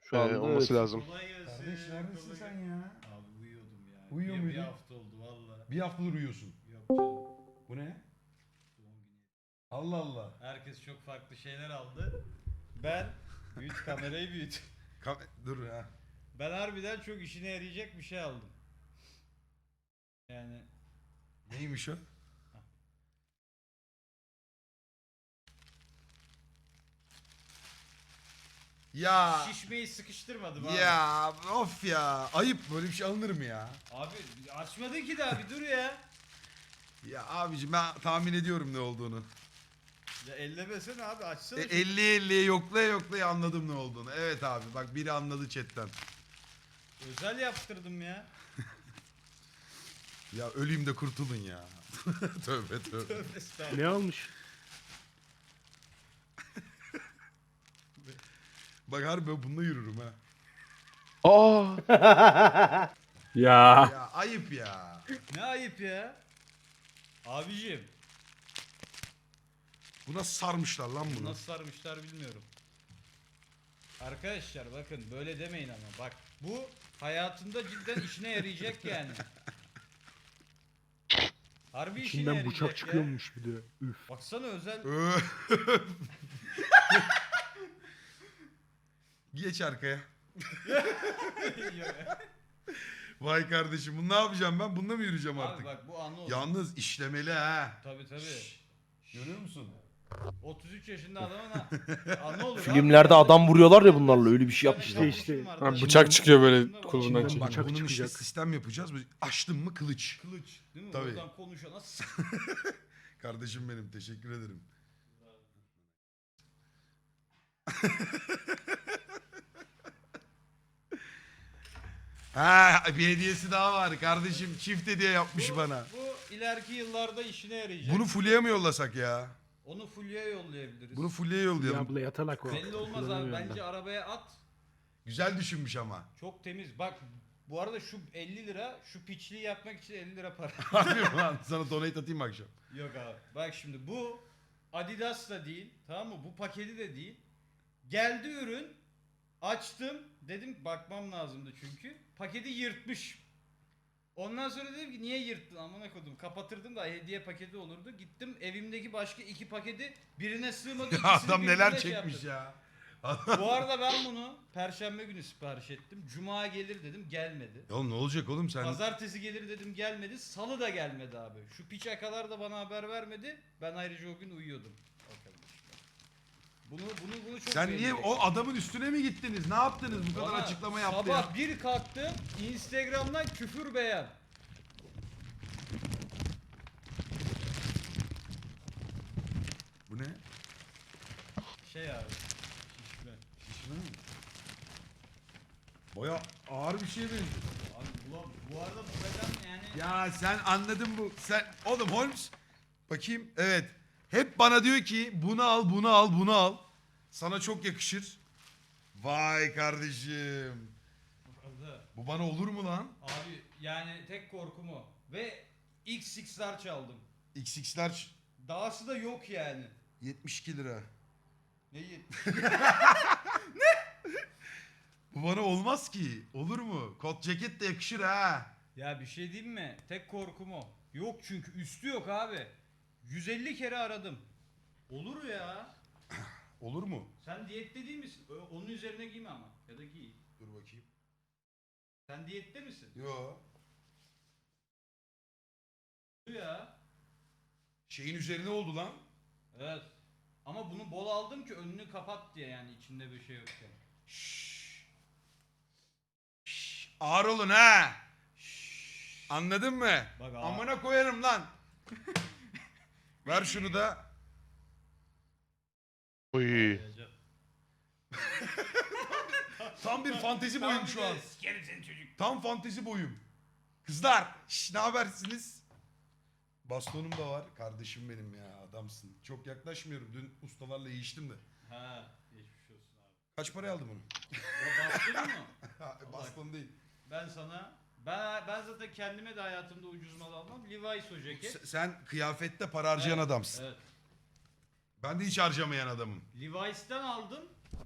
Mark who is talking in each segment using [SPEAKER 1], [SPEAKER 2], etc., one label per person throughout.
[SPEAKER 1] Şu anda
[SPEAKER 2] olması
[SPEAKER 1] evet.
[SPEAKER 2] lazım.
[SPEAKER 3] Kolay gelsin.
[SPEAKER 4] Kardeş neredesin sen ya?
[SPEAKER 3] Abi uyuyordum ya.
[SPEAKER 4] Uyuyor
[SPEAKER 3] Bir
[SPEAKER 4] muydun?
[SPEAKER 3] hafta oldu valla.
[SPEAKER 4] Bir haftadır uyuyorsun.
[SPEAKER 3] Yok canım.
[SPEAKER 4] Bu ne?
[SPEAKER 3] Doğum günü.
[SPEAKER 4] Allah Allah.
[SPEAKER 3] Herkes çok farklı şeyler aldı. Ben büyüt kamerayı büyüt.
[SPEAKER 4] Dur ha.
[SPEAKER 3] Ben harbiden çok işine yarayacak bir şey aldım. Yani
[SPEAKER 4] Neymiş o? Ya
[SPEAKER 3] şişmeyi sıkıştırmadım abi.
[SPEAKER 4] ya of ya. Ayıp, böyle bir şey alınır mı ya?
[SPEAKER 3] Abi açmadın ki daha bir dur ya.
[SPEAKER 4] Ya abicim ben tahmin ediyorum ne olduğunu.
[SPEAKER 3] Ya ellemesene abi açsana.
[SPEAKER 4] 50'ye yoklaya yoklaya anladım ne olduğunu. Evet abi bak biri anladı chatten.
[SPEAKER 3] Özel yaptırdım ya.
[SPEAKER 4] Ya öleyim de kurtulun ya. Tövbe tövbe.
[SPEAKER 3] Tövbe estağfurullah.
[SPEAKER 1] Ne almış?
[SPEAKER 4] Bak harbi ben bununla yürürüm ha.
[SPEAKER 2] Aa!
[SPEAKER 1] Ya.
[SPEAKER 4] Ya ayıp ya.
[SPEAKER 3] Ne ayıp ya. Abicim
[SPEAKER 4] Bu nasıl sarmışlar lan bunu?
[SPEAKER 3] nasıl sarmışlar bilmiyorum. Arkadaşlar bakın böyle demeyin ama bak bu hayatında cidden işine yarayacak yani. Harbi işine
[SPEAKER 1] İçinden
[SPEAKER 3] yarayacak
[SPEAKER 1] bıçak
[SPEAKER 3] ya.
[SPEAKER 1] çıkıyormuş bir de. Üf.
[SPEAKER 3] Baksana özel.
[SPEAKER 4] Geç arkaya. Vay kardeşim bunu ne yapacağım ben? Bununla mı yürüyeceğim
[SPEAKER 3] Abi
[SPEAKER 4] artık?
[SPEAKER 3] bak bu anı oldu.
[SPEAKER 4] Yalnız işlemeli ha.
[SPEAKER 3] Tabii tabii.
[SPEAKER 4] Görüyor musun?
[SPEAKER 3] 33 yaşında adamın ha. Anı olur.
[SPEAKER 5] Filmlerde adam vuruyorlar ya bunlarla, öyle bir şey yapmışlar.
[SPEAKER 1] İşte.
[SPEAKER 2] Ha, bıçak çıkıyor böyle kolundan.
[SPEAKER 1] İçinden
[SPEAKER 4] Bak
[SPEAKER 1] bıçak
[SPEAKER 4] bunun işte
[SPEAKER 1] çıkacak.
[SPEAKER 4] sistem yapacağız. Böyle açtın mı kılıç.
[SPEAKER 3] Kılıç değil mi?
[SPEAKER 4] Tabii.
[SPEAKER 3] Oradan konuşana
[SPEAKER 4] Kardeşim benim teşekkür ederim. Ha bir hediyesi daha var. Kardeşim çift hediye yapmış bana.
[SPEAKER 3] Bu ileriki yıllarda işine yarayacak.
[SPEAKER 4] Bunu Fulya'ya mı yollasak ya?
[SPEAKER 3] Onu Fulya'ya yollayabiliriz.
[SPEAKER 4] Bunu Fulya'ya
[SPEAKER 1] Ya
[SPEAKER 4] yollayalım.
[SPEAKER 1] abla yatalak o.
[SPEAKER 3] Belli olmaz abi.
[SPEAKER 1] Kullanamıyor
[SPEAKER 3] Bence
[SPEAKER 1] da.
[SPEAKER 3] arabaya at.
[SPEAKER 4] Güzel düşünmüş ama.
[SPEAKER 3] Çok temiz. Bak bu arada şu 50 lira şu piçliği yapmak için 50 lira para.
[SPEAKER 4] Harbi mi lan? Sana donate atayım mı akşam?
[SPEAKER 3] Yok abi. Bak şimdi bu Adidas da değil. Tamam mı? Bu paketi de değil. Geldi ürün. Açtım. Dedim bakmam lazımdı çünkü. Paketi yırtmış. Ondan sonra dedim ki niye yırttın amına koydum. Kapatırdım da hediye paketi olurdu. Gittim evimdeki başka 2 paketi birine sığmadı.
[SPEAKER 4] Ya
[SPEAKER 3] ikisini
[SPEAKER 4] adam
[SPEAKER 3] birbirine
[SPEAKER 4] neler
[SPEAKER 3] şey
[SPEAKER 4] çekmiş
[SPEAKER 3] yaptım.
[SPEAKER 4] ya.
[SPEAKER 3] Bu arada ben bunu Perşembe günü sipariş ettim. Cuma gelir dedim gelmedi.
[SPEAKER 4] Oğlum ne olacak oğlum sen?
[SPEAKER 3] Pazartesi gelir dedim gelmedi. Salı da gelmedi abi. Şu piç kadar da bana haber vermedi. Ben ayrıca o gün uyuyordum. Bakalım işte. Bunu çok
[SPEAKER 4] Sen niye
[SPEAKER 3] beğenecek.
[SPEAKER 4] o adamın üstüne mi gittiniz? Ne yaptınız? Bu kadar
[SPEAKER 3] Bana
[SPEAKER 4] açıklama yaptı
[SPEAKER 3] sabah
[SPEAKER 4] ya.
[SPEAKER 3] bir kalktım Instagram'dan küfür beğen.
[SPEAKER 4] Bu ne?
[SPEAKER 3] Şey abi. Şişme.
[SPEAKER 4] Şişme mi? Baya ağır bir şeye benziyor.
[SPEAKER 3] Abi bu arada bu beden yani.
[SPEAKER 4] Ya sen anladın bu. Sen oğlum Holmes. Bakayım. Evet. Hep bana diyor ki bunu al, bunu al, bunu al. Sana çok yakışır. Vay kardeşim.
[SPEAKER 3] Arada.
[SPEAKER 4] Bu bana olur mu lan?
[SPEAKER 3] Abi yani tek korkum o. Ve XX'ler çaldım.
[SPEAKER 4] XX'ler
[SPEAKER 3] Dahası da yok yani.
[SPEAKER 4] 72 lira.
[SPEAKER 3] Ne yetmiş?
[SPEAKER 4] Bu bana olmaz ki. Olur mu? Kot ceket de yakışır ha.
[SPEAKER 3] Ya bir şey diyeyim mi? Tek korkum o. Yok çünkü üstü yok abi. 150 kere aradım. Olur ya.
[SPEAKER 4] Olur mu?
[SPEAKER 3] Sen diyette değil misin? Onun üzerine giyme ama. Ya da giy.
[SPEAKER 4] Dur bakayım.
[SPEAKER 3] Sen diyette misin?
[SPEAKER 4] Yo.
[SPEAKER 3] Ya.
[SPEAKER 4] Şeyin üzerine oldu lan.
[SPEAKER 3] Evet. Ama bunu bol aldım ki önünü kapat diye yani içinde bir şey yokken.
[SPEAKER 4] Şşş. Şşş. Ağır olun ha. Şşş. Anladın mı?
[SPEAKER 3] Bak ağır.
[SPEAKER 4] Amına koyarım lan. Ver şunu da.
[SPEAKER 2] Oy.
[SPEAKER 4] Tam bir fantezi boyum şu an.
[SPEAKER 3] Sikerim seni çocuk.
[SPEAKER 4] Tam fantezi boyum. Kızlar, ne habersiniz? Bastonum da var. Kardeşim benim ya, adamsın. Çok yaklaşmıyorum. Dün ustalarla yiyiştim de.
[SPEAKER 3] Ha, geçmiş olsun abi.
[SPEAKER 4] Kaç paraya aldın bunu?
[SPEAKER 3] O bastın mı?
[SPEAKER 4] Baston değil.
[SPEAKER 3] Ben sana ben zaten kendime de hayatımda ucuz mal almam. Levi's o ceket.
[SPEAKER 4] Sen kıyafette para harcayan
[SPEAKER 3] Evet,
[SPEAKER 4] adamsın.
[SPEAKER 3] Evet.
[SPEAKER 4] Ben de hiç harcamayan adamım.
[SPEAKER 3] Levi's'ten aldım.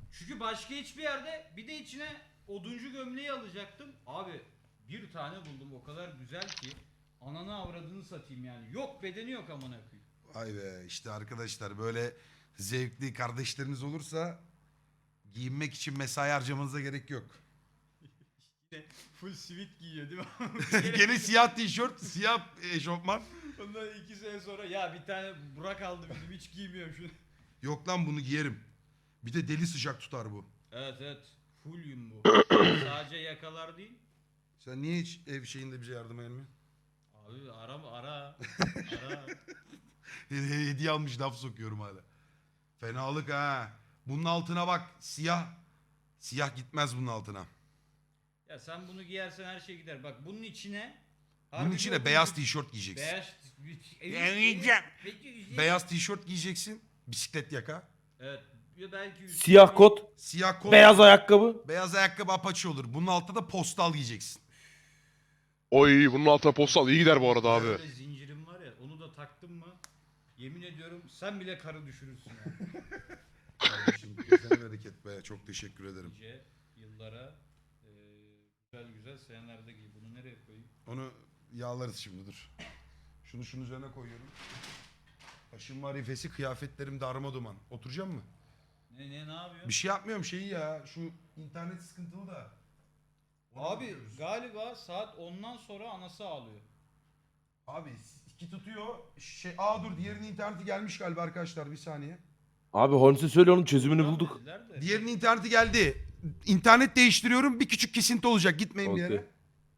[SPEAKER 3] Çünkü başka hiçbir yerde bir de içine oduncu gömleği alacaktım. Abi bir tane buldum o kadar güzel ki ananı avradını satayım yani. Yok bedeni yok amına koyayım.
[SPEAKER 4] Vay be işte arkadaşlar böyle zevkli kardeşleriniz olursa giyinmek için mesai harcamanıza gerek yok.
[SPEAKER 3] Yine full sivit giyiyor değil mi?
[SPEAKER 4] Gene siyah tişört, siyah eşofman.
[SPEAKER 3] Ondan 2 sene sonra ya bir tane Burak aldı bizim hiç giymiyorum şunu.
[SPEAKER 4] Yok lan bunu giyerim. Bir de deli sıcak tutar bu.
[SPEAKER 3] Evet evet. Fullyum bu. Sadece yakalar değil.
[SPEAKER 4] Sen niye hiç ev şeyinde bize yardım etmiyorsun?
[SPEAKER 3] Abi ara. Ara.
[SPEAKER 4] Hediye almış laf sokuyorum hala. Fenalık ha. Bunun altına bak siyah. Siyah gitmez bunun altına.
[SPEAKER 3] Ya sen bunu giyersen her şey gider. Bak bunun içine
[SPEAKER 4] Bunun
[SPEAKER 3] harbi
[SPEAKER 4] içine
[SPEAKER 3] bir
[SPEAKER 4] beyaz
[SPEAKER 3] oduncu-
[SPEAKER 4] tişört giyeceksin.
[SPEAKER 3] Beyaz
[SPEAKER 4] Beyaz tişört giyeceksin. Bisiklet yaka.
[SPEAKER 3] Evet. Ya belki üstüne
[SPEAKER 5] Siyah
[SPEAKER 3] bir-
[SPEAKER 5] kot,
[SPEAKER 4] Siyah kot.
[SPEAKER 5] beyaz ayakkabı.
[SPEAKER 4] Beyaz ayakkabı apaçı olur. Bunun altında da postal giyeceksin.
[SPEAKER 2] Oy bunun altına postal iyi gider bu arada abi.
[SPEAKER 3] Böyle zincirim var ya onu da taktım mı yemin ediyorum sen bile karı düşürürsün ya.
[SPEAKER 4] Kardeşim kesene bereket be. Çok teşekkür ederim.
[SPEAKER 3] Nice yıllara güzel güzel senelerde giy. Bunu nereye koyayım?
[SPEAKER 4] Onu yağlarız şimdi dur. Şunu şunun üzerine koyuyorum. Başım marifesi kıyafetlerim darma duman. Oturacağım mı?
[SPEAKER 3] Ne yapıyorsun?
[SPEAKER 4] Bir şey yapmıyorum şeyi ya. Şu internet sıkıntılı da. Ona
[SPEAKER 3] Abi
[SPEAKER 4] bakıyoruz.
[SPEAKER 3] galiba saat 10'dan sonra anası ağlıyor.
[SPEAKER 4] Abi iki tutuyor. Dur diğerinin interneti gelmiş galiba arkadaşlar bir saniye.
[SPEAKER 5] Abi Holmes'e söyle onun çözümünü
[SPEAKER 3] Tamam
[SPEAKER 5] bulduk.
[SPEAKER 3] dediler de.
[SPEAKER 4] Diğerinin interneti geldi. İnternet değiştiriyorum bir küçük kesinti olacak gitmeyin bir
[SPEAKER 5] Okey.
[SPEAKER 4] yere.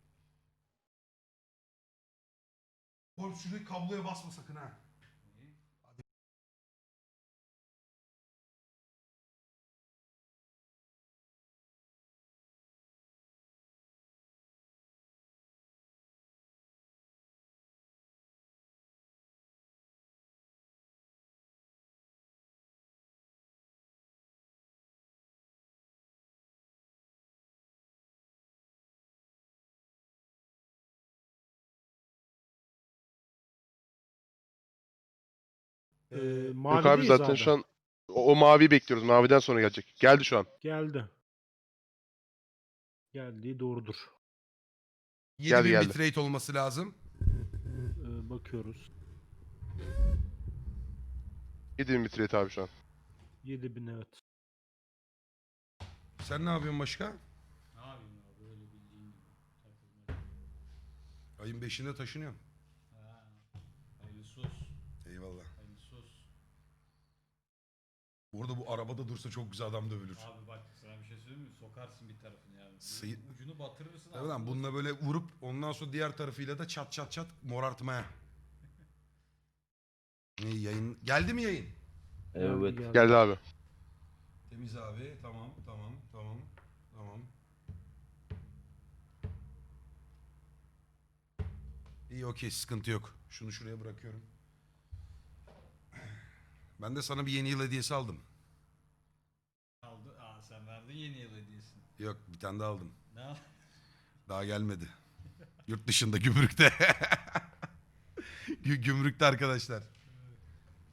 [SPEAKER 4] Oğlum şurayı kabloya basma sakın ha.
[SPEAKER 2] Yok abi zaten şu an o maviyi bekliyoruz. Maviden sonra gelecek. Geldi şu an.
[SPEAKER 1] Geldi. Geldiği doğrudur.
[SPEAKER 4] 7000
[SPEAKER 2] geldi.
[SPEAKER 4] bitrate olması lazım.
[SPEAKER 1] Bakıyoruz.
[SPEAKER 2] 7000 bitrate abi şu an.
[SPEAKER 1] 7000 evet.
[SPEAKER 4] Sen ne yapıyorsun başka?
[SPEAKER 3] Ne yapayım abi böyle bildiğin gibi. Takılmaca.
[SPEAKER 4] Ayın 5'inde taşınıyorum.
[SPEAKER 3] Ha. Hayırlısı olsun.
[SPEAKER 4] Eyvallah.
[SPEAKER 3] Hayırlısı olsun.
[SPEAKER 4] Bu arada bu arabada dursa çok güzel adam dövülür.
[SPEAKER 3] Abi bak sana bir şey söyleyeyim mi? Sokarsın bir tarafını yani.
[SPEAKER 4] Sıyı-
[SPEAKER 3] Ucunu batırırsın.
[SPEAKER 4] Tabii lan
[SPEAKER 3] ağzına.
[SPEAKER 4] bununla böyle vurup ondan sonra diğer tarafıyla da çat çat çat morartmaya. Ne yayın? Geldi mi yayın?
[SPEAKER 5] Evet.
[SPEAKER 2] Geldi abi.
[SPEAKER 4] Temiz abi. Tamam. İyi okey sıkıntı yok. Şunu şuraya bırakıyorum. Ben de sana bir yeni yıl hediyesi aldım.
[SPEAKER 3] Aldı. Sen verdin yeni yıl hediyesini.
[SPEAKER 4] Yok bir tane daha aldım.
[SPEAKER 3] Ne al-
[SPEAKER 4] Daha gelmedi. Yurt dışında gümrükte. Gümrükte arkadaşlar.